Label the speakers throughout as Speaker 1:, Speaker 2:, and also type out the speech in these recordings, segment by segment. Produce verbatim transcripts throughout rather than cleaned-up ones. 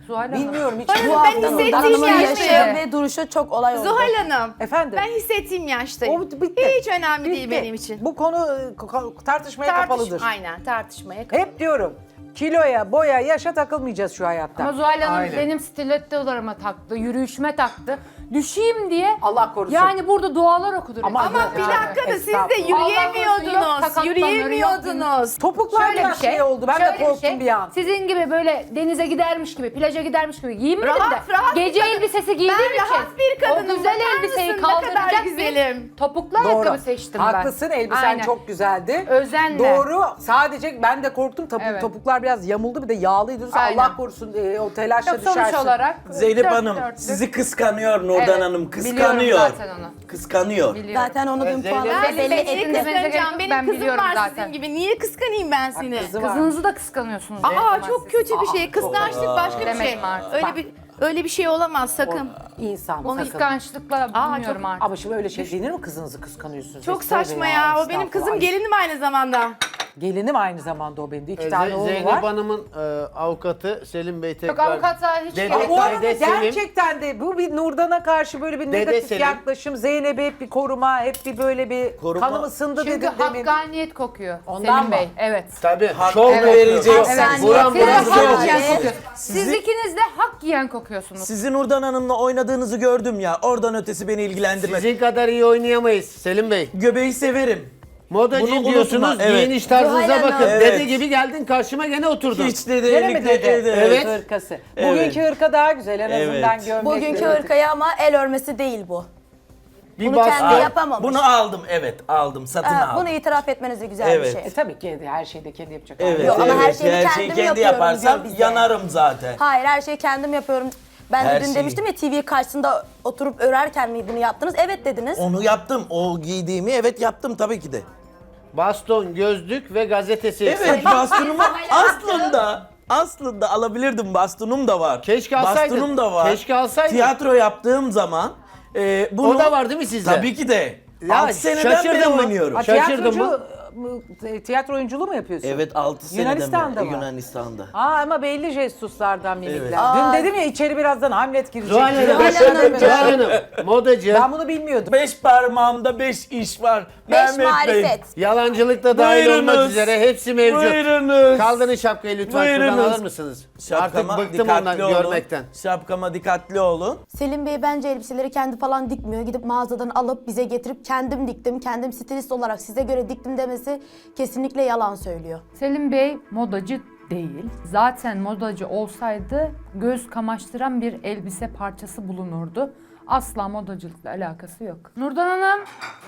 Speaker 1: Zuhal Hanım.
Speaker 2: Bilmiyorum hiç.
Speaker 3: Hayır,
Speaker 2: Bu
Speaker 3: ben
Speaker 2: haftanın
Speaker 3: hissettiğim
Speaker 2: hanımın
Speaker 3: yaştayım.
Speaker 2: yaşı ve duruşu çok olay oldu.
Speaker 3: Zuhal Hanım.
Speaker 2: Efendim?
Speaker 3: Ben hissettiğim yaştayım.
Speaker 2: O bitti.
Speaker 3: Hiç önemli değil
Speaker 2: Bitti.
Speaker 3: benim için.
Speaker 2: Bu konu e, ko- tartışmaya
Speaker 3: Tartış-
Speaker 2: kapalıdır.
Speaker 3: Aynen tartışmaya kapalı.
Speaker 2: Hep diyorum kiloya, boya, yaşa takılmayacağız şu hayatta.
Speaker 1: Ama Zuhal Hanım
Speaker 2: Aynen.
Speaker 1: benim stilettolarıma taktı, yürüyüşüme taktı. Düşeyim diye.
Speaker 2: Allah korusun.
Speaker 1: Yani burada dualar okudur.
Speaker 2: Ama-
Speaker 3: Ama
Speaker 2: Ya,
Speaker 3: bir dakika da siz de
Speaker 2: estağfurullah.
Speaker 1: Allah korusun, yok
Speaker 3: yürüyemiyordunuz.
Speaker 1: sakatlanır,
Speaker 3: Yürüyemiyordunuz.
Speaker 2: Topuklar
Speaker 1: Şöyle bir
Speaker 2: biraz
Speaker 1: şey,
Speaker 2: şey oldu. Ben de
Speaker 1: şöyle bir
Speaker 2: korktum
Speaker 1: şey,
Speaker 2: bir an.
Speaker 1: Sizin gibi böyle denize gidermiş gibi, plaja gidermiş gibi giyinmedim
Speaker 3: Rahat,
Speaker 1: de.
Speaker 3: rahat bir
Speaker 1: gece
Speaker 3: kadın.
Speaker 1: elbisesi giydiğim
Speaker 3: Ben
Speaker 1: için.
Speaker 3: rahat bir kadınım,
Speaker 1: O güzel
Speaker 3: bakar
Speaker 1: elbiseyi
Speaker 3: mısın? Ne kadar
Speaker 1: kaldıracak
Speaker 3: güzelim.
Speaker 1: bir topuklu
Speaker 2: Doğru.
Speaker 1: ayakkabı seçtim ben.
Speaker 2: Haklısın, elbisen
Speaker 1: Aynen.
Speaker 2: çok güzeldi.
Speaker 1: Özenle.
Speaker 2: Doğru. Sadece ben de korktum. Topuk,
Speaker 1: Evet.
Speaker 2: Topuklar biraz yamuldu, bir de yağlıydı.
Speaker 1: Aynen.
Speaker 2: Allah korusun e, o telaşla
Speaker 1: Yok, sonuç
Speaker 2: düşersin.
Speaker 1: olarak
Speaker 4: Zeynep
Speaker 1: dört
Speaker 4: Hanım
Speaker 1: dörtlük.
Speaker 4: sizi kıskanıyor Nurdan
Speaker 1: Evet,
Speaker 4: Hanım.
Speaker 1: biliyorum
Speaker 4: Kıskanıyor.
Speaker 1: zaten onu.
Speaker 4: Kıskanıyor.
Speaker 1: Biliyorum.
Speaker 2: Zaten onu dün
Speaker 5: Zeynep-
Speaker 2: puanla
Speaker 3: Ben
Speaker 2: belli
Speaker 3: seni
Speaker 2: ettim.
Speaker 3: niye
Speaker 1: ettim. demenize gerek
Speaker 3: kıskanacağım?
Speaker 1: yok,
Speaker 3: Benim
Speaker 1: ben
Speaker 3: kızım
Speaker 1: biliyorum
Speaker 3: var
Speaker 1: zaten.
Speaker 3: sizin gibi. Niye kıskanayım ben seni?
Speaker 2: Kızı var.
Speaker 1: Kızınızı da kıskanıyorsunuz.
Speaker 3: Aa
Speaker 1: Zeynep
Speaker 3: çok
Speaker 1: Hanım.
Speaker 3: kötü bir şey. Kıskançlık başka bir
Speaker 1: Demek
Speaker 3: şey.
Speaker 1: mi artık?
Speaker 3: Öyle
Speaker 1: Bak.
Speaker 3: bir öyle bir şey olamaz sakın.
Speaker 2: İnsan.
Speaker 1: Bu
Speaker 2: sakın.
Speaker 1: kıskançlıkla
Speaker 3: Aa,
Speaker 1: bilmiyorum
Speaker 3: çok-
Speaker 1: artık.
Speaker 2: Ama şimdi öyle şey denir mi kızınızı kıskanıyorsunuz?
Speaker 3: Çok
Speaker 2: Tövbe
Speaker 3: saçma ya. O benim
Speaker 2: estağfurullah.
Speaker 3: kızım gelinim aynı zamanda.
Speaker 2: Gelinim aynı zamanda o benim de. İki
Speaker 5: Ee,
Speaker 2: tane
Speaker 5: Ze-
Speaker 2: oğlu
Speaker 5: Zeynep
Speaker 2: var.
Speaker 5: Hanım'ın e, avukatı Selim Bey tekrar...
Speaker 1: Yok avukata hiç
Speaker 5: Dede-
Speaker 1: gerek
Speaker 2: Ama bu
Speaker 1: yok.
Speaker 2: arada
Speaker 5: Dede Selim-
Speaker 2: gerçekten de bu bir Nurdan'a karşı böyle bir
Speaker 5: Dede
Speaker 2: negatif
Speaker 5: Selim-
Speaker 2: yaklaşım. Zeynep'e hep bir koruma, hep bir böyle bir
Speaker 4: Koruma.
Speaker 2: kanım ısındı
Speaker 1: Çünkü
Speaker 2: dedim demin.
Speaker 1: hakkaniyet kokuyor
Speaker 2: Ondan
Speaker 1: Selim
Speaker 2: mı?
Speaker 1: Bey. Evet.
Speaker 5: Tabii.
Speaker 4: Hak
Speaker 5: şov
Speaker 4: evet.
Speaker 5: vereceksin.
Speaker 2: Evet.
Speaker 5: Buram
Speaker 1: Siz de
Speaker 5: buram
Speaker 1: hak
Speaker 5: şov.
Speaker 2: Evet.
Speaker 1: yiyen
Speaker 2: Evet.
Speaker 1: kokuyorsunuz. Siz ikiniz de hak yiyen kokuyorsunuz.
Speaker 4: Sizi Nurdan Hanım'la oynadığınızı gördüm ya. Oradan ötesi beni ilgilendirmez.
Speaker 5: Sizin kadar iyi oynayamayız Selim Bey.
Speaker 4: Göbeği severim.
Speaker 5: Modacı
Speaker 4: Bunu
Speaker 5: diyorsunuz,
Speaker 4: unutma, evet.
Speaker 5: giyiniş tarzınıza
Speaker 2: Zuhal Hanım.
Speaker 5: bakın.
Speaker 4: Evet.
Speaker 5: Dede gibi geldin karşıma gene oturdun.
Speaker 4: Hiç de
Speaker 2: Gene mi
Speaker 4: delikli
Speaker 2: dedi?
Speaker 4: dedi.
Speaker 5: Evet.
Speaker 2: Hırkası.
Speaker 4: Evet.
Speaker 2: Bugünkü hırka daha güzel en
Speaker 4: Evet.
Speaker 2: azından gömlek.
Speaker 6: Bugünkü hırkayı ama el örmesi değil bu.
Speaker 5: Bir
Speaker 6: Bunu
Speaker 5: bastı.
Speaker 6: kendi yapamamış.
Speaker 4: Bunu aldım, evet aldım, satın
Speaker 6: Ha,
Speaker 4: aldım.
Speaker 6: bunu itiraf etmeniz de güzel
Speaker 4: Evet.
Speaker 6: bir şey.
Speaker 2: E tabii ki her şeyi de kendi yapacak.
Speaker 4: Evet,
Speaker 6: Yok, ama
Speaker 4: evet.
Speaker 6: her şeyi kendim
Speaker 4: kendi
Speaker 6: yapıyorum
Speaker 4: yaparsam
Speaker 6: diyor bize.
Speaker 4: yanarım zaten.
Speaker 6: Hayır, her şeyi kendim yapıyorum. Ben de
Speaker 4: Her
Speaker 6: dün
Speaker 4: şeyi.
Speaker 6: demiştim ya T V karşısında oturup örerken mi bunu yaptınız? Evet dediniz.
Speaker 4: Onu yaptım, o giydiğimi evet yaptım tabii ki de.
Speaker 5: Baston, gözlük ve gazetesi.
Speaker 4: Evet, bastonumu aslında aslında alabilirdim, bastonum da var.
Speaker 5: Keşke alsaydın.
Speaker 4: Bastonum da var.
Speaker 5: Keşke alsaydın.
Speaker 4: Tiyatro yaptığım zaman e, bunu...
Speaker 5: O da var değil mi sizde?
Speaker 4: Tabii ki de.
Speaker 5: Ya,
Speaker 4: altı seneden
Speaker 5: şaşırdın
Speaker 4: beri
Speaker 5: mı?
Speaker 4: oynuyorum.
Speaker 2: Ha,
Speaker 5: Şaşırdın
Speaker 2: tiyatrocu,
Speaker 5: mı?
Speaker 2: mu- tiyatro oyunculuğu mu yapıyorsun?
Speaker 4: Evet, altı seneden
Speaker 2: Yunanistan'da
Speaker 4: beri
Speaker 2: mı?
Speaker 4: Yunanistan'da.
Speaker 2: Aa ama belli jestuslardan mimikler.
Speaker 4: Evet.
Speaker 2: Dün dedim ya içeri birazdan Hamlet girecek.
Speaker 5: Zuhal Hanım,
Speaker 6: Zuhal Hanım,
Speaker 5: Zuhal Hanım, modacı.
Speaker 2: Ben bunu bilmiyordum.
Speaker 4: Beş parmağımda beş iş var.
Speaker 6: Beş
Speaker 4: Mehmet Bey.
Speaker 6: marifet.
Speaker 5: Yalancılıkta dahil
Speaker 4: Buyurunuz.
Speaker 5: olmak üzere hepsi mevcut.
Speaker 4: Buyurunuz.
Speaker 5: Kaldırın şapkayı lütfen şuradan
Speaker 4: Buyurunuz.
Speaker 5: alır mısınız?
Speaker 4: Şapkama
Speaker 5: Artık bıktım
Speaker 4: dikkatli
Speaker 5: ondan
Speaker 4: olun.
Speaker 5: görmekten.
Speaker 4: Şapkama dikkatli olun.
Speaker 6: Selim Bey bence elbiseleri kendi falan dikmiyor. Gidip mağazadan alıp bize getirip kendim diktim, kendim stilist olarak size göre diktim demesi kesinlikle yalan söylüyor.
Speaker 1: Selim Bey modacı değil. Zaten modacı olsaydı göz kamaştıran bir elbise parçası bulunurdu. Asla modacılıkla alakası yok. Nurdan Hanım,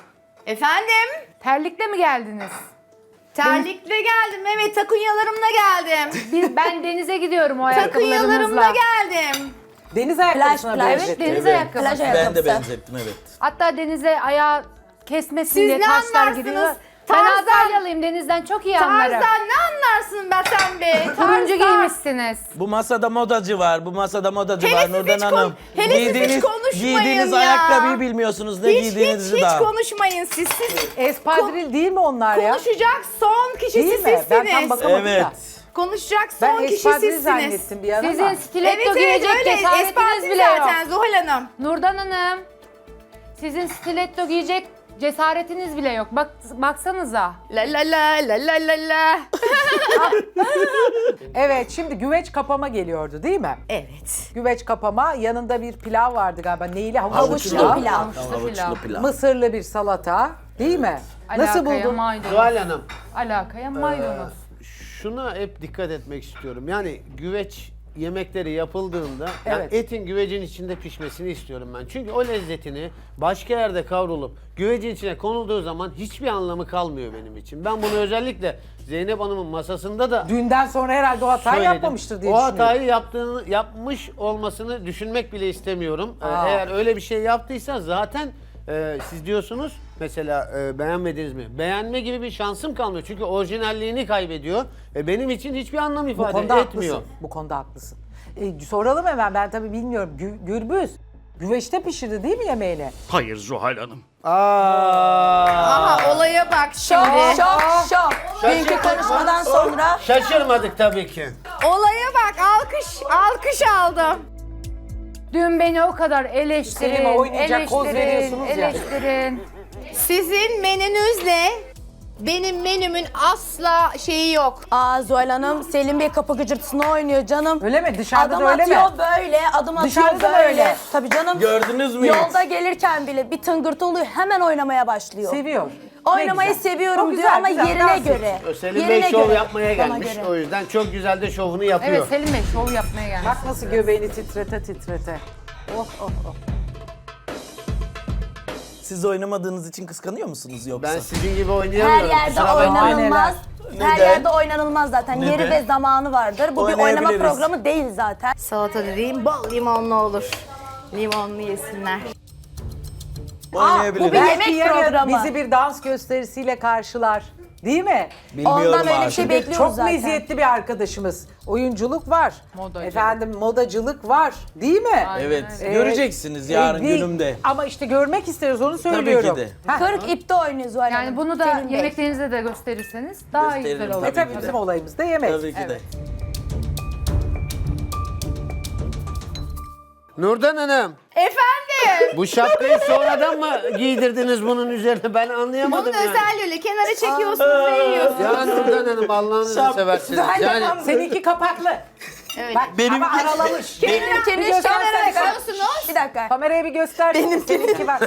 Speaker 3: Efendim?
Speaker 1: terlikle mi geldiniz?
Speaker 3: Terlikle geldim. Evet, takunyalarımla geldim.
Speaker 1: Biz, ben denize gidiyorum o
Speaker 3: Takunyalarımla
Speaker 1: ayakkabılarınızla.
Speaker 3: geldim.
Speaker 2: Deniz ayakkabısına
Speaker 6: plaj.
Speaker 2: benzettim.
Speaker 1: Evet, deniz
Speaker 4: Evet.
Speaker 1: ayakkabısı.
Speaker 6: Plaj
Speaker 4: Ben de
Speaker 6: ayakkabısı.
Speaker 4: benzettim, evet.
Speaker 1: Hatta denize ayağı kesmesin
Speaker 3: Siz
Speaker 1: diye
Speaker 3: ne
Speaker 1: taşlar
Speaker 3: anlarsınız?
Speaker 1: gidiyor. Ben
Speaker 3: Tarzan-
Speaker 1: Antalyalıyım, denizden çok iyi anlarım.
Speaker 3: Tarzan ne anlarsın be sen be?
Speaker 1: Turuncu
Speaker 3: Tarzan.
Speaker 1: giymişsiniz.
Speaker 4: Bu masada modacı var, bu masada modacı
Speaker 3: Hele
Speaker 4: var
Speaker 3: siz
Speaker 4: Nurdan
Speaker 3: hiç kon-
Speaker 4: Hanım.
Speaker 3: hele siz hiç
Speaker 4: Giydiğiniz-
Speaker 3: konuşmayın
Speaker 4: Giydiğiniz
Speaker 3: ya.
Speaker 4: ayakkabıyı bilmiyorsunuz, ne
Speaker 3: Hiç hiç
Speaker 4: giydiğinizi
Speaker 3: hiç
Speaker 4: daha.
Speaker 3: konuşmayın siz. Siz
Speaker 2: Espadril değil mi onlar ya?
Speaker 3: konuşacak son kişisi
Speaker 2: Değil mi? Ben tam
Speaker 3: sizsiniz.
Speaker 2: bakamadım
Speaker 4: Evet.
Speaker 2: da.
Speaker 3: Konuşacak
Speaker 2: Ben
Speaker 3: son kişi
Speaker 2: espadril
Speaker 3: sizsiniz.
Speaker 2: zannettim bir an ama.
Speaker 1: Sizin stiletto
Speaker 3: Evet evet
Speaker 1: giyecek
Speaker 3: öyle.
Speaker 1: cesaretiniz
Speaker 3: Espadril
Speaker 1: bile yok.
Speaker 3: zaten Zuhal Hanım.
Speaker 1: Nurdan Hanım, sizin stiletto giyecek cesaretiniz bile yok. Bak, baksanıza.
Speaker 3: La la la la la la la.
Speaker 2: Evet şimdi güveç kapama geliyordu değil mi?
Speaker 3: Evet.
Speaker 2: Güveç kapama yanında bir pilav vardı galiba. Neyli? Havuçlu,
Speaker 6: Havuçlu
Speaker 2: pilav.
Speaker 6: pilav.
Speaker 1: Havuçlu pilav.
Speaker 4: pilav.
Speaker 2: Mısırlı bir salata değil mi? Nasıl
Speaker 1: Alakaya
Speaker 2: buldun?
Speaker 1: maydanoz.
Speaker 5: Zuhal Hanım,
Speaker 1: Alakaya maydanoz.
Speaker 5: şuna hep dikkat etmek istiyorum. Yani güveç yemekleri yapıldığında yani
Speaker 2: Evet.
Speaker 5: etin güvecin içinde pişmesini istiyorum ben. Çünkü o lezzetini başka yerde kavrulup güvecin içine konulduğu zaman hiçbir anlamı kalmıyor benim için. Ben bunu özellikle Zeynep Hanım'ın masasında da
Speaker 2: Dünden sonra herhalde o hatayı
Speaker 5: söyledim.
Speaker 2: yapmamıştır diye
Speaker 5: O
Speaker 2: düşünüyorum.
Speaker 5: hatayı yaptığını yapmış olmasını düşünmek bile istemiyorum. Ee,
Speaker 2: Aa.
Speaker 5: Eğer öyle bir şey yaptıysa zaten e, siz diyorsunuz mesela e, beğenmediniz mi? Beğenme gibi bir şansım kalmıyor. Çünkü orijinalliğini kaybediyor. E, benim için hiçbir anlam
Speaker 2: Bu
Speaker 5: ifade
Speaker 2: konuda
Speaker 5: etmiyor.
Speaker 2: haklısın. Bu konuda haklısın. E, soralım hemen ben tabii bilmiyorum. Gü- Gürbüz Güveçte pişirdi değil mi yemeğini?
Speaker 7: Hayır Zuhal Hanım.
Speaker 5: Aa.
Speaker 3: Aha olaya bak
Speaker 6: Şok,
Speaker 3: şimdi.
Speaker 6: şok, şok. Dünkü
Speaker 5: Şaşırdık
Speaker 6: konuşmadan
Speaker 5: mı?
Speaker 6: sonra
Speaker 5: Şaşırmadık tabii ki.
Speaker 3: Olaya bak alkış alkış aldım.
Speaker 1: Dün beni o kadar eleştirin,
Speaker 2: Selim'e oynayacak koz
Speaker 1: eleştirin,
Speaker 2: veriyorsunuz ya.
Speaker 1: eleştirin.
Speaker 3: Sizin menünüzle benim menümün asla şeyi yok.
Speaker 6: Aa Zuhal Hanım, Selim Bey kapı gıcırtısını oynuyor canım.
Speaker 2: Öyle mi? Dışarıda
Speaker 6: Adım
Speaker 2: da öyle
Speaker 6: atıyor
Speaker 2: mi?
Speaker 6: böyle, adım atıyor
Speaker 2: Dışarıda da
Speaker 6: böyle.
Speaker 2: öyle.
Speaker 6: Tabii canım.
Speaker 4: Gördünüz mü hiç?
Speaker 6: Yolda gelirken bile bir tıngırtı oluyor, hemen oynamaya başlıyor.
Speaker 2: Seviyor.
Speaker 6: Oynamayı
Speaker 2: Ne güzel.
Speaker 6: seviyorum
Speaker 2: Çok
Speaker 6: diyor
Speaker 2: güzel,
Speaker 6: ama
Speaker 2: güzel,
Speaker 6: yerine
Speaker 2: dans et.
Speaker 6: göre.
Speaker 5: Selim
Speaker 6: Yerine
Speaker 5: Bey şov
Speaker 6: göre.
Speaker 5: yapmaya
Speaker 6: Bana
Speaker 5: gelmiş.
Speaker 6: göre.
Speaker 5: O yüzden çok güzel de şovunu yapıyor.
Speaker 1: Evet Selim Bey şov yapmaya gelmiş.
Speaker 2: Bak nasıl göbeğini titrete titrete. Oh oh oh.
Speaker 4: Siz oynamadığınız için kıskanıyor musunuz yoksa?
Speaker 5: Ben sizin gibi
Speaker 6: Her
Speaker 5: oynayamıyorum.
Speaker 6: yerde
Speaker 5: kusura bakmayın.
Speaker 6: oynanılmaz. Her
Speaker 4: Neden?
Speaker 6: yerde oynanılmaz zaten. Yeri
Speaker 4: Neden?
Speaker 6: ve zamanı vardır. Bu bir oynama
Speaker 4: Oynayabiliriz.
Speaker 6: programı değil zaten.
Speaker 3: Salata dediğim bol limonlu olur. Limonlu yesinler.
Speaker 4: Oynayabiliriz.
Speaker 6: bu bir
Speaker 2: Belki
Speaker 6: yemek
Speaker 2: yarın
Speaker 6: programı.
Speaker 2: bizi bir dans gösterisiyle karşılar. Değil mi?
Speaker 4: Bilmiyorum
Speaker 6: Ondan öyle bir
Speaker 4: artık.
Speaker 6: şey bekliyoruz
Speaker 2: Çok
Speaker 6: zaten.
Speaker 2: meziyetli bir arkadaşımız. Oyunculuk var.
Speaker 1: Modacılık.
Speaker 2: Efendim modacılık var. Değil mi?
Speaker 4: Evet,
Speaker 2: Ee,
Speaker 4: göreceksiniz yarın
Speaker 2: e, değil.
Speaker 4: günümde.
Speaker 2: Ama işte görmek isteriz onu söylüyorum.
Speaker 4: de.
Speaker 2: Heh.
Speaker 6: Kırk ipte oynuyor Zuhal Hanım.
Speaker 1: Yani bunu da
Speaker 6: Selim Bey.
Speaker 1: yemeklerinizde de gösterirseniz daha iyi
Speaker 4: Gösteririm,
Speaker 1: güzel olur.
Speaker 2: E
Speaker 4: tabii
Speaker 2: tabii
Speaker 4: ki de.
Speaker 2: bizim olayımız da yemek.
Speaker 4: Tabii ki de.
Speaker 1: Evet.
Speaker 5: Nurdan Hanım,
Speaker 3: Efendim.
Speaker 5: bu şapkayı sonradan mı giydirdiniz bunun üzerine? Ben anlayamadım
Speaker 3: Bunun
Speaker 5: yani.
Speaker 3: özelliği öyle. Kenara çekiyorsunuz ve yiyorsunuz.
Speaker 5: Ya Nurdan Hanım Allah'ınızı
Speaker 4: Şap-
Speaker 5: seversiniz. Yani
Speaker 2: Seninki kapaklı.
Speaker 3: Evet.
Speaker 2: Bak
Speaker 4: Benimki-
Speaker 2: ama aralamış.
Speaker 6: Benimkini
Speaker 2: Bir göstersene.
Speaker 6: şöyle
Speaker 3: Kenara
Speaker 6: bakıyorsunuz.
Speaker 3: bakıyorsunuz.
Speaker 6: Bir dakika.
Speaker 2: Kameraya bir göster. Benim seninki var.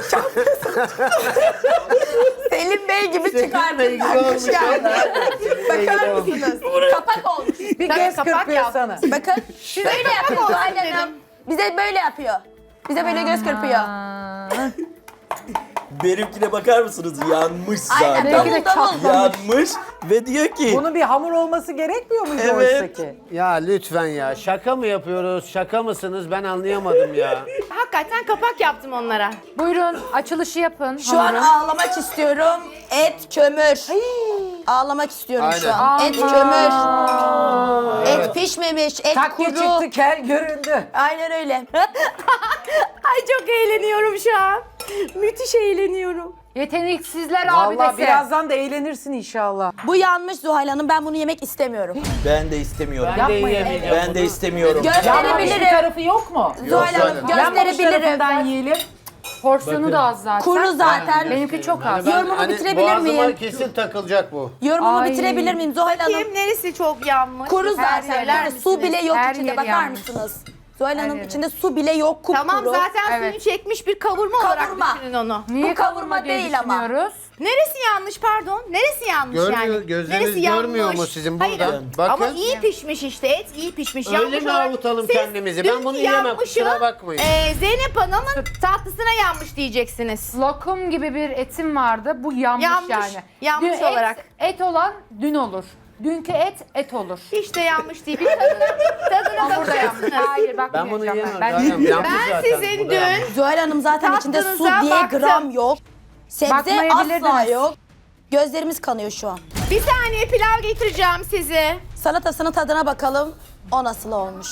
Speaker 6: Selim Bey gibi
Speaker 5: Selim
Speaker 6: çıkardı.
Speaker 5: Bey gibi olmuş.
Speaker 6: Bakar mısınız? Kapak olmuş.
Speaker 2: Bir
Speaker 3: Tabii,
Speaker 2: göz
Speaker 3: kapak
Speaker 2: kırpıyor
Speaker 3: yap.
Speaker 2: sana.
Speaker 6: Bakın. Böyle yapıyor
Speaker 3: olsun
Speaker 6: Zuhal
Speaker 3: dedim.
Speaker 6: Hanım. Bize böyle yapıyor. Bize böyle göz kırpıyor.
Speaker 1: Aa,
Speaker 4: Benimkine bakar mısınız? Yanmış
Speaker 6: Aynen
Speaker 4: zaten.
Speaker 1: Belki de
Speaker 6: davul davul.
Speaker 4: Yanmış ve diyor ki
Speaker 2: Bunun bir hamur olması gerekmiyor muydu
Speaker 4: Evet.
Speaker 2: oysa ki?
Speaker 5: Ya lütfen ya. Şaka mı yapıyoruz? Şaka mısınız? Ben anlayamadım ya.
Speaker 3: Hakikaten kapak yaptım onlara.
Speaker 1: Buyurun açılışı yapın.
Speaker 6: Şu an
Speaker 1: hamurun.
Speaker 6: ağlamak istiyorum. Et kömür. Ağlamak istiyorum şu an. Et kömür. Et pişmemiş, et
Speaker 2: Takke
Speaker 6: kuru.
Speaker 2: çıktı kel göründü.
Speaker 6: Aynen öyle.
Speaker 3: Ay çok eğleniyorum şu an. Müthiş eğleniyorum.
Speaker 1: Yeteneksizler
Speaker 2: Vallahi
Speaker 1: abidesi.
Speaker 2: birazdan da eğlenirsin inşallah.
Speaker 6: Bu yanmış Zuhal Hanım. Ben bunu yemek istemiyorum.
Speaker 4: ben de istemiyorum.
Speaker 5: Ben de
Speaker 2: Yapmayın.
Speaker 5: yiyemeyeceğim
Speaker 4: Ben
Speaker 5: bunu.
Speaker 4: de istemiyorum.
Speaker 2: Yanmamış bir
Speaker 6: Gösterebilirim.
Speaker 2: tarafı yok mu?
Speaker 6: Zuhal
Speaker 5: Zuhal
Speaker 6: Hanım
Speaker 5: Hanım.
Speaker 2: Yanmamış
Speaker 6: gösterebilirim.
Speaker 2: tarafından yiyelim.
Speaker 1: Porsiyonu da az zaten.
Speaker 6: Kuru zaten.
Speaker 1: Benimki çok az.
Speaker 5: Ben
Speaker 6: Yorumumu
Speaker 5: hani
Speaker 6: bitirebilir
Speaker 5: boğazıma
Speaker 6: miyim?
Speaker 5: kesin takılacak bu.
Speaker 6: Yorumumu
Speaker 1: Ay.
Speaker 6: bitirebilir miyim Zuhal Hanım?
Speaker 3: Kim neresi çok yanmış?
Speaker 6: Kuru
Speaker 3: Her
Speaker 6: zaten.
Speaker 3: söyler
Speaker 6: Böyle su
Speaker 3: misiniz?
Speaker 6: bile yok
Speaker 1: Her
Speaker 6: içinde.
Speaker 1: yeri
Speaker 6: Bakar
Speaker 1: yanmış.
Speaker 6: mısınız? Zuhal Hanım
Speaker 1: yeri.
Speaker 6: içinde su bile yok. Kupkuru.
Speaker 3: Tamam zaten
Speaker 1: Evet.
Speaker 3: suyunu çekmiş bir kavurma, olarak
Speaker 6: Kavurma.
Speaker 3: düşünün onu.
Speaker 1: Niye
Speaker 6: Bu kavurma
Speaker 1: kavurma diye
Speaker 6: değil ama.
Speaker 1: düşünüyoruz?
Speaker 3: Neresi yanlış pardon? Neresi yanmış
Speaker 5: Görmüyor-
Speaker 3: yani?
Speaker 5: gözleriniz
Speaker 3: Neresi
Speaker 5: görmüyor
Speaker 3: yanmış?
Speaker 5: mu sizin
Speaker 3: Hayır,
Speaker 5: buradan? Bakın.
Speaker 3: ama iyi pişmiş işte et iyi pişmiş.
Speaker 5: Öyle
Speaker 3: Yanmış
Speaker 5: mi
Speaker 3: olarak-
Speaker 5: avutalım
Speaker 3: Siz
Speaker 5: kendimizi? Ben
Speaker 3: dünkü
Speaker 5: bunu yiyemem,
Speaker 3: yanmışı,
Speaker 5: kusura bakmayın.
Speaker 3: e, Zeynep Hanım'ın tatlısına yanmış diyeceksiniz.
Speaker 1: Lokum gibi bir etim vardı. Bu yanmış,
Speaker 3: Yanmış,
Speaker 1: yani.
Speaker 3: yanmış
Speaker 1: Dün et-
Speaker 3: olarak.
Speaker 1: Et olan dün olur. Dünkü et et olur.
Speaker 3: Hiç de yanmış değil. Bir tadına, tadına
Speaker 1: Burada yanmış.
Speaker 3: bakacaksınız.
Speaker 1: Hayır
Speaker 5: Ben bunu
Speaker 1: bakmayacağım
Speaker 5: yiyemem.
Speaker 1: ben.
Speaker 5: zaten. Yanmış
Speaker 3: Ben
Speaker 5: zaten.
Speaker 3: sizin
Speaker 5: Bu da yanmış.
Speaker 3: dün
Speaker 6: Zuhal Hanım zaten içinde su
Speaker 3: Tatlınıza
Speaker 6: diye
Speaker 3: baktım.
Speaker 6: gram yok. Sebze asla
Speaker 1: Bakmayabilirdiniz.
Speaker 6: yok. Gözlerimiz kanıyor şu an.
Speaker 3: bir saniye pilav getireceğim size.
Speaker 6: Salatasının tadına bakalım. O nasıl olmuş?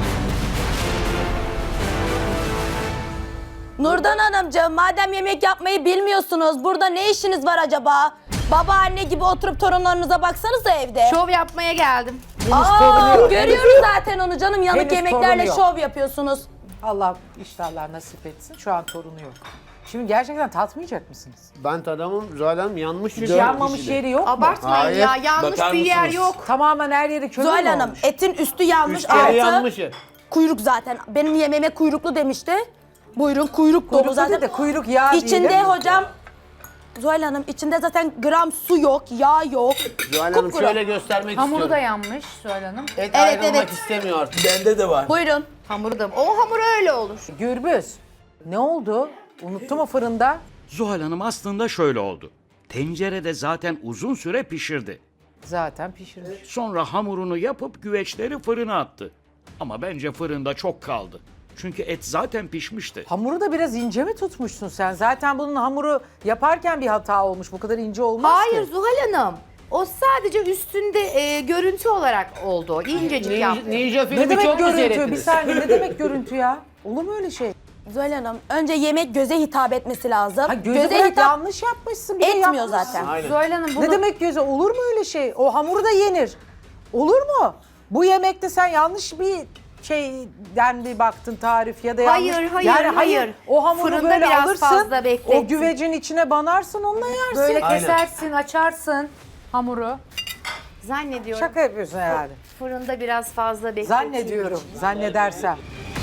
Speaker 6: Nurdan Hanımcığım, madem yemek yapmayı bilmiyorsunuz, burada ne işiniz var acaba? Babaanne gibi oturup torunlarınıza baksanıza evde.
Speaker 3: Şov yapmaya geldim.
Speaker 6: Aa,
Speaker 2: torunuyor.
Speaker 6: görüyoruz zaten onu canım. Yanık
Speaker 2: Henüz
Speaker 6: yemeklerle
Speaker 2: torunuyor.
Speaker 6: şov yapıyorsunuz.
Speaker 2: Allah iştahlar nasip etsin. Şu an torunu yok. Şimdi gerçekten tatmayacak mısınız?
Speaker 5: Ben tadamım Zuhal Hanım yanmış çünkü.
Speaker 2: Yanmamış yeri yok mu?
Speaker 3: Abartmayın
Speaker 5: Hayır.
Speaker 3: ya. Yanlış
Speaker 4: Bakar
Speaker 3: bir yer
Speaker 4: mısınız?
Speaker 3: yok.
Speaker 2: Tamamen her yeri kömür
Speaker 6: Zuhal
Speaker 2: mü
Speaker 6: Hanım,
Speaker 2: olmuş?
Speaker 6: etin üstü yanmış,
Speaker 5: Üst yeri
Speaker 6: altı
Speaker 5: yanmış.
Speaker 6: kuyruk zaten. Benim yemeğime kuyruklu demişti. Buyurun kuyruk dolu
Speaker 2: Kuyruklu
Speaker 6: zaten.
Speaker 2: değil de kuyruk yağı
Speaker 6: İçinde
Speaker 2: diyelim.
Speaker 6: hocam, Zuhal Hanım içinde zaten gram su yok, yağ yok.
Speaker 5: Zuhal Hanım
Speaker 6: Kupkuru.
Speaker 5: şöyle göstermek
Speaker 1: Hamuru da
Speaker 5: istiyorum.
Speaker 1: yanmış Suhal Hanım.
Speaker 5: Et
Speaker 6: Evet,
Speaker 5: ayrılmak
Speaker 6: evet.
Speaker 5: istemiyor artık.
Speaker 4: Bende de var.
Speaker 6: Buyurun.
Speaker 3: Hamuru da. O hamur öyle olur.
Speaker 2: Gürbüz. Ne oldu? Unuttum o fırında.
Speaker 7: Zuhal Hanım aslında şöyle oldu. Tencerede zaten uzun süre pişirdi.
Speaker 2: Zaten pişirmiş.
Speaker 7: Sonra hamurunu yapıp güveçleri fırına attı. Ama bence fırında çok kaldı. Çünkü et zaten pişmişti.
Speaker 2: Hamuru da biraz ince mi tutmuşsun sen? Zaten bunun hamuru yaparken bir hata olmuş. Bu kadar ince olmaz
Speaker 3: Hayır
Speaker 2: ki.
Speaker 3: Zuhal Hanım. O sadece üstünde e, görüntü olarak oldu. İncecik
Speaker 5: Ninja,
Speaker 3: yaptı.
Speaker 5: Ninja
Speaker 2: Ne
Speaker 5: filmi
Speaker 2: demek
Speaker 5: çok mu
Speaker 2: görüntü? Bir
Speaker 5: seyrettiniz?
Speaker 2: saniye ne demek görüntü ya? Olur mu öyle şey?
Speaker 6: Zuhal Hanım, önce yemek göze hitap etmesi lazım.
Speaker 2: Ha, göze bırak, yanlış yapmışsın. Bir de
Speaker 6: etmiyor
Speaker 2: yapmışsın.
Speaker 6: zaten.
Speaker 5: Aynen.
Speaker 1: Zuhal Hanım bunu
Speaker 2: Ne demek göze? Olur mu öyle şey? O hamuru da yenir. Olur mu? Bu yemekte sen yanlış bir şeyden bir baktın tarif ya da
Speaker 3: Hayır,
Speaker 2: yanlış.
Speaker 3: hayır,
Speaker 2: yani
Speaker 3: hayır.
Speaker 2: O hamuru
Speaker 3: Fırında
Speaker 2: böyle
Speaker 3: biraz
Speaker 2: alırsın.
Speaker 3: fazla bekletsin.
Speaker 2: O güvecin içine banarsın, onunla yersin.
Speaker 1: böyle
Speaker 5: Aynen.
Speaker 1: kesersin, açarsın hamuru.
Speaker 3: Zannediyorum.
Speaker 2: Şaka yapıyorsun herhalde.
Speaker 3: Fırında biraz fazla bekletilmiş.
Speaker 2: Zannediyorum. Zannedersem.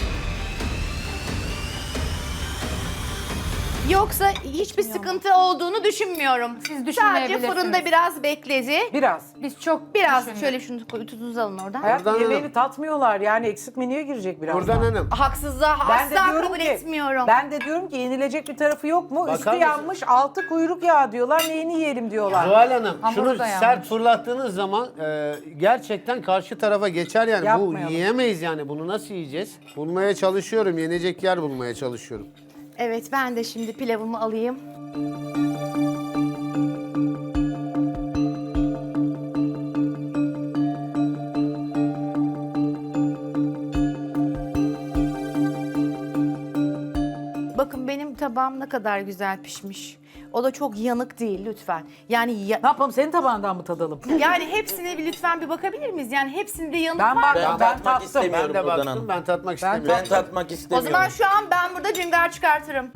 Speaker 3: Yoksa hiçbir sıkıntı olduğunu düşünmüyorum.
Speaker 1: Siz
Speaker 3: Sadece
Speaker 1: düşünmeyebilirsiniz.
Speaker 3: fırında biraz bekledi.
Speaker 2: Biraz.
Speaker 1: Biz çok
Speaker 3: Biraz
Speaker 1: düşündük.
Speaker 3: şöyle şunu koy, tutunuzu alın oradan.
Speaker 2: Hayat
Speaker 5: Nurdan
Speaker 2: yemeğini
Speaker 5: Hanım.
Speaker 2: tatmıyorlar. Yani eksik menüye girecek biraz.
Speaker 5: Nurdan Hanım.
Speaker 3: Haksızlığa
Speaker 2: Ben de
Speaker 3: asla
Speaker 2: diyorum
Speaker 3: kabul
Speaker 2: ki,
Speaker 3: etmiyorum.
Speaker 2: ben de diyorum ki yenilecek bir tarafı yok mu?
Speaker 5: Bakar
Speaker 2: Üstü
Speaker 5: mısın?
Speaker 2: yanmış, altı kuyruk yağı diyorlar. Neyini yiyelim diyorlar.
Speaker 5: Zuhal Hanım
Speaker 1: Hamuru
Speaker 5: şunu
Speaker 1: da
Speaker 5: sert
Speaker 1: yanmış.
Speaker 5: fırlattığınız zaman e, gerçekten karşı tarafa geçer yani.
Speaker 2: Yapmayalım.
Speaker 5: Bu yiyemeyiz yani. Bunu nasıl yiyeceğiz? Bulmaya çalışıyorum. Yenecek yer bulmaya çalışıyorum.
Speaker 3: Evet, ben de şimdi pilavımı alayım. Bakın benim tabağım ne kadar güzel pişmiş. O da çok yanık değil lütfen. Yani ya-
Speaker 2: Ne yapalım, senin tabağından mı tadalım?
Speaker 3: yani hepsine bir lütfen bir bakabilir miyiz? Yani hepsinde yanık
Speaker 2: Ben
Speaker 3: var.
Speaker 2: bak,
Speaker 4: Ben
Speaker 2: ben,
Speaker 4: tatmak
Speaker 2: tattım.
Speaker 4: istemiyorum.
Speaker 5: Ben de
Speaker 4: Nurdan
Speaker 5: baktım.
Speaker 4: Hanım.
Speaker 5: Ben tatmak istemiyorum.
Speaker 4: Ben tatmak
Speaker 3: O
Speaker 4: istemiyorum.
Speaker 3: zaman şu an ben burada cüngar çıkartırım.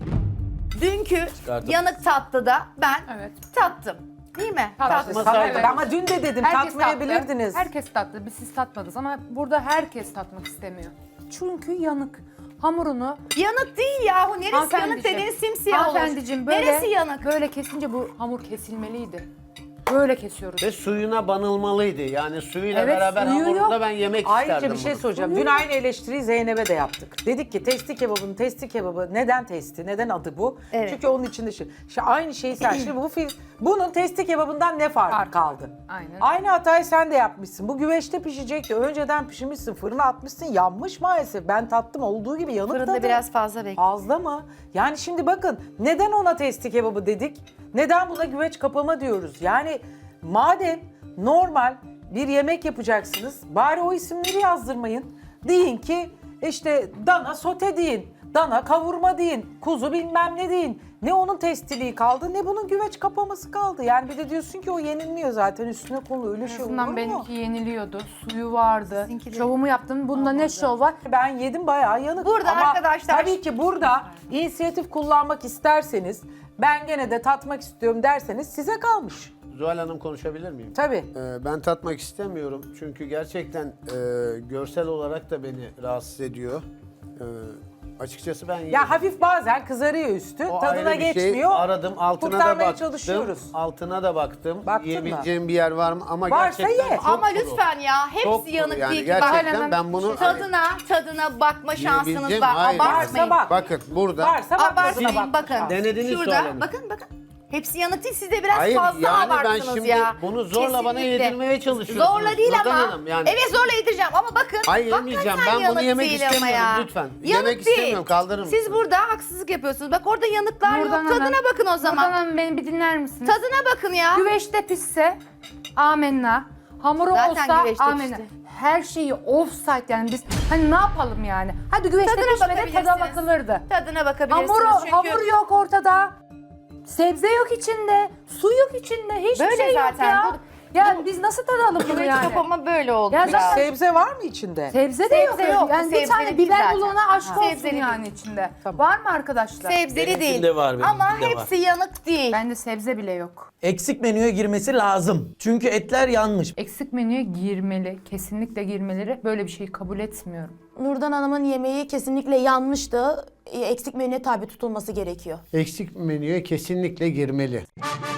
Speaker 3: Dünkü
Speaker 4: Çıkartın.
Speaker 3: yanık tatlıda ben
Speaker 1: Evet.
Speaker 3: tattım. Değil mi?
Speaker 1: Tattınız.
Speaker 3: Tattım.
Speaker 1: Evet.
Speaker 2: Tabii, ama dün de dedim
Speaker 1: Herkes
Speaker 2: tatmayabilirdiniz.
Speaker 1: Tattı. Herkes tattı. Biz siz tatmadınız ama burada herkes tatmak istemiyor. Çünkü yanık. Hamurunu
Speaker 3: Yanık değil yahu. Neresi yanık
Speaker 1: Hanımefendiciğim,
Speaker 3: dediğin simsiyah olur.
Speaker 1: hanımefendiciğim böyle,
Speaker 3: Neresi yanık?
Speaker 1: böyle kesince bu hamur kesilmeliydi. Böyle kesiyoruz.
Speaker 5: Ve suyuna banılmalıydı. Yani suyuyla
Speaker 1: Evet,
Speaker 5: beraber
Speaker 1: suyu
Speaker 5: hamurunda
Speaker 1: yok.
Speaker 5: ben yemek
Speaker 2: Ayrıca
Speaker 5: isterdim
Speaker 2: bir şey
Speaker 5: bunu.
Speaker 2: soracağım. Dün aynı eleştiriyi Zeynep'e de yaptık. Dedik ki testi kebabının testi kebabı neden testi? Neden adı bu?
Speaker 3: Evet.
Speaker 2: Çünkü onun içinde şey. İşte aynı şeyi sen şimdi bu film bunun testi kebabından ne farkı
Speaker 1: Farkı.
Speaker 2: kaldı?
Speaker 1: Aynen.
Speaker 2: Aynı hatayı sen de yapmışsın. Bu güveçte pişecekti. Önceden pişirmişsin, fırına atmışsın. Yanmış maalesef. Ben tattım, olduğu gibi yanık
Speaker 3: Fırında
Speaker 2: tadı.
Speaker 3: biraz fazla bekle.
Speaker 2: Fazla mı? Yani şimdi bakın neden ona testi kebabı dedik? Neden buna güveç kapama diyoruz? Yani madem normal bir yemek yapacaksınız bari o isimleri yazdırmayın. Deyin ki işte dana sote deyin, dana kavurma deyin, kuzu bilmem ne deyin. Ne onun testiliği kaldı ne bunun güveç kapaması kaldı. Yani bir de diyorsun ki o yenilmiyor zaten üstüne konulu öyle şey olur
Speaker 1: Bundan
Speaker 2: mu?
Speaker 1: benimki yeniliyordu. Suyu vardı.
Speaker 3: Sizinki de-
Speaker 1: Şovumu yaptım. Bunda ne şov var?
Speaker 2: Ben yedim bayağı yanık.
Speaker 3: Burada
Speaker 2: Ama
Speaker 3: arkadaşlar-
Speaker 2: tabii ki burada inisiyatif kullanmak isterseniz ben gene de tatmak istiyorum derseniz size kalmış.
Speaker 5: Zuhal Hanım konuşabilir miyim?
Speaker 2: Tabii.
Speaker 5: Ee, ben tatmak istemiyorum çünkü gerçekten e, görsel olarak da beni rahatsız ediyor. Ee, açıkçası ben
Speaker 2: Ya hafif bazen kızarıyor üstü,
Speaker 5: O
Speaker 2: tadına
Speaker 5: ayrı bir şey.
Speaker 2: geçmiyor.
Speaker 5: Aradım, altına da
Speaker 2: Kurtarmaya
Speaker 5: baktım.
Speaker 2: çalışıyoruz.
Speaker 5: Altına da baktım.
Speaker 2: Baktın mı?
Speaker 5: Yiyebileceğim bir yer var mı? Ama
Speaker 2: Varsa
Speaker 5: gerçekten
Speaker 2: ye.
Speaker 5: çok
Speaker 3: Ama
Speaker 5: kuru.
Speaker 3: lütfen ya hepsi
Speaker 5: Çok kuru
Speaker 3: yanık
Speaker 5: yani
Speaker 3: değil ki.
Speaker 5: gerçekten
Speaker 1: Bak,
Speaker 5: ben bunu
Speaker 3: Tadına, tadına bakma şansınız
Speaker 5: yiyebileceğim-
Speaker 3: var.
Speaker 5: hayır.
Speaker 3: Abartmayın.
Speaker 2: Varsa bak.
Speaker 5: bakın burada
Speaker 2: Varsa bak tadına
Speaker 3: Abartmayın
Speaker 2: bak.
Speaker 3: bakın.
Speaker 5: Denediniz Zuhal
Speaker 3: Şurada
Speaker 5: Hanım.
Speaker 3: bakın bakın. Hepsi yanık değil. Siz de biraz
Speaker 5: Hayır,
Speaker 3: fazla
Speaker 5: yani ben
Speaker 3: abarttınız
Speaker 5: şimdi
Speaker 3: ya.
Speaker 5: bunu zorla bana
Speaker 3: Kesinlikle.
Speaker 5: yedirmeye çalışıyorsunuz.
Speaker 3: Zorla değil
Speaker 5: Nurdan
Speaker 3: ama.
Speaker 5: Hanım, yani-
Speaker 3: Evet zorla yedireceğim ama bakın.
Speaker 5: Hayır, yemeyeceğim.
Speaker 3: hakikaten
Speaker 5: Ben bunu
Speaker 3: yanık
Speaker 5: yemek
Speaker 3: değil ama
Speaker 5: istemiyorum,
Speaker 3: ya.
Speaker 5: lütfen.
Speaker 3: Yanık
Speaker 5: Yemek
Speaker 3: değil.
Speaker 5: istemiyorum, kaldırır
Speaker 3: Siz
Speaker 5: mısınız?
Speaker 3: burada haksızlık yapıyorsunuz. Bak orada yanıklar
Speaker 1: Nurdan
Speaker 3: yok. Tadına
Speaker 1: Hanım,
Speaker 3: bakın o zaman.
Speaker 1: Nurdan Hanım beni bir dinler misiniz?
Speaker 3: Tadına bakın ya.
Speaker 1: Güveçte pişse amenna. Hamuru
Speaker 3: Zaten
Speaker 1: olsa
Speaker 3: güveçte
Speaker 1: amenna.
Speaker 3: pişti.
Speaker 1: Her şeyi offside yani biz hani ne yapalım yani? Hadi güveçte
Speaker 3: Tadına
Speaker 1: pişmedi tada
Speaker 3: bakabilirsiniz.
Speaker 1: bakılırdı.
Speaker 3: Tadına bakabilirsiniz
Speaker 1: Hamur,
Speaker 3: çünkü.
Speaker 1: hamur yok ortada. Sebze yok içinde. Su yok içinde. Hiçbir
Speaker 3: Böyle
Speaker 1: şey
Speaker 3: zaten.
Speaker 1: yok ya. Ya biz nasıl tadalım bunu
Speaker 3: Güveç
Speaker 1: yani?
Speaker 3: kapama böyle oldu
Speaker 1: Ya
Speaker 3: ya.
Speaker 1: zaten-
Speaker 2: Sebze var mı içinde?
Speaker 1: Sebze de yok.
Speaker 3: Sebze yok,
Speaker 1: Yani bir
Speaker 3: sebzeli
Speaker 1: tane
Speaker 3: değil
Speaker 1: biber
Speaker 3: zaten.
Speaker 1: bulana aşk
Speaker 3: Ha.
Speaker 1: olsun
Speaker 3: Sebzeli
Speaker 1: yani içinde. Var mı arkadaşlar?
Speaker 3: Sebzeli
Speaker 4: Benimkinde
Speaker 3: değil.
Speaker 4: var, benimkinde
Speaker 3: Ama
Speaker 4: var.
Speaker 3: hepsi yanık değil.
Speaker 1: Bende sebze bile yok.
Speaker 4: Eksik menüye girmesi lazım. Çünkü etler yanmış.
Speaker 1: Eksik menüye girmeli. Kesinlikle girmeleri. Böyle bir şeyi kabul etmiyorum.
Speaker 6: Nurdan Hanım'ın yemeği kesinlikle yanlıştı. E, Eksik menüye tabi tutulması gerekiyor.
Speaker 5: Eksik menüye kesinlikle girmeli.